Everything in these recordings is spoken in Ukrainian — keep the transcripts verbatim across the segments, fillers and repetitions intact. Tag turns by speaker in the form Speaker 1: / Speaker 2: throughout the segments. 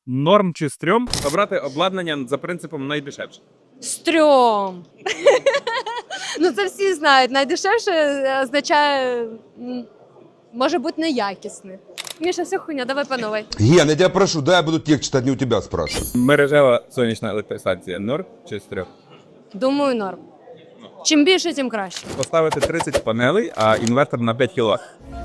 Speaker 1: Норм чи стрьом? Обрати обладнання за принципом найдешевше.
Speaker 2: Стрьом. Ну це всі знають. Найдешевше означає, м, може бути неякісне. Міша, все хуйня, давай по новой.
Speaker 3: Ген, я тебя прошу, дай я буду текст читать, не у тебя спрашивать.
Speaker 1: Мережева сонячна електростанція. Норм чи стрьом?
Speaker 2: Думаю, норм. Чим більше, тим краще.
Speaker 1: Поставити тридцять панелей, а інвертор на п'ять кіловат.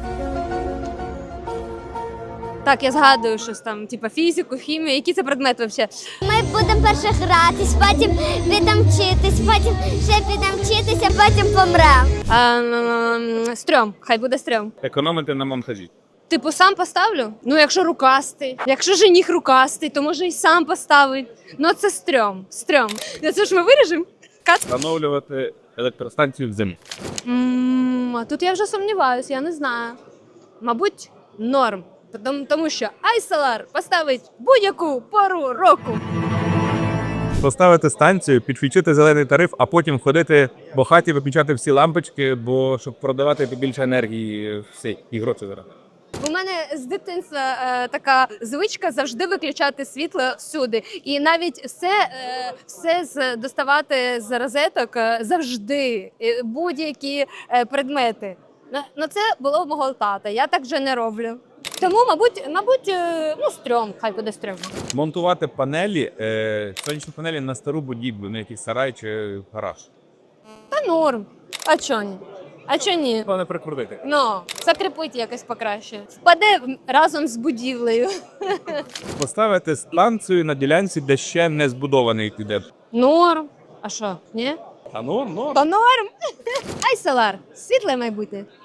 Speaker 2: Так, я згадую щось там, типу фізику, хімію. Які це предмети взагалі?
Speaker 4: Ми будемо перше гратись, потім підемо вчитись, потім ще підемо вчитися, потім помремо.
Speaker 2: А, м, стрьом, хай буде стрьом.
Speaker 1: Економити на монтажі.
Speaker 2: Типу, сам поставлю? Ну, якщо рукастий. Якщо жених рукастий, то може і сам поставить. Ну, це стрьом, стрьом. Ну, це ж ми виріжемо? Кат.
Speaker 1: Встановлювати електростанцію в землі.
Speaker 2: М, а тут я вже сумніваюся, я не знаю. Мабуть, норм. Тому, тому що iSolar поставить будь-яку пору року.
Speaker 1: Поставити станцію, підключити зелений тариф, а потім ходити по хаті, виключати всі лампочки, бо щоб продавати побільше енергії, все, і гроші зараз.
Speaker 2: У мене з дитинства е, така звичка завжди виключати світло всюди. І навіть все, е, все з, доставати з розеток е, завжди, е, будь-які е, предмети. Ну, ну, це було в мого тата, я так вже не роблю. Тому, мабуть, мабуть, е, ну, стрьом, хай буде стрьом.
Speaker 1: Монтувати панелі, е, сонячні панелі на стару будівлю, на якийсь сарай чи гараж.
Speaker 2: Та норм. А чо ні? А чо ні?
Speaker 1: Головне прикрутити.
Speaker 2: Ну, закріпити якось покраще. Впаде разом з будівлею.
Speaker 1: Поставити станцію на ділянці, де ще не збудований піде.
Speaker 2: Норм. А що, ні?
Speaker 1: А ну, ну.
Speaker 2: Та норм. iSolar. Світле майбутнє.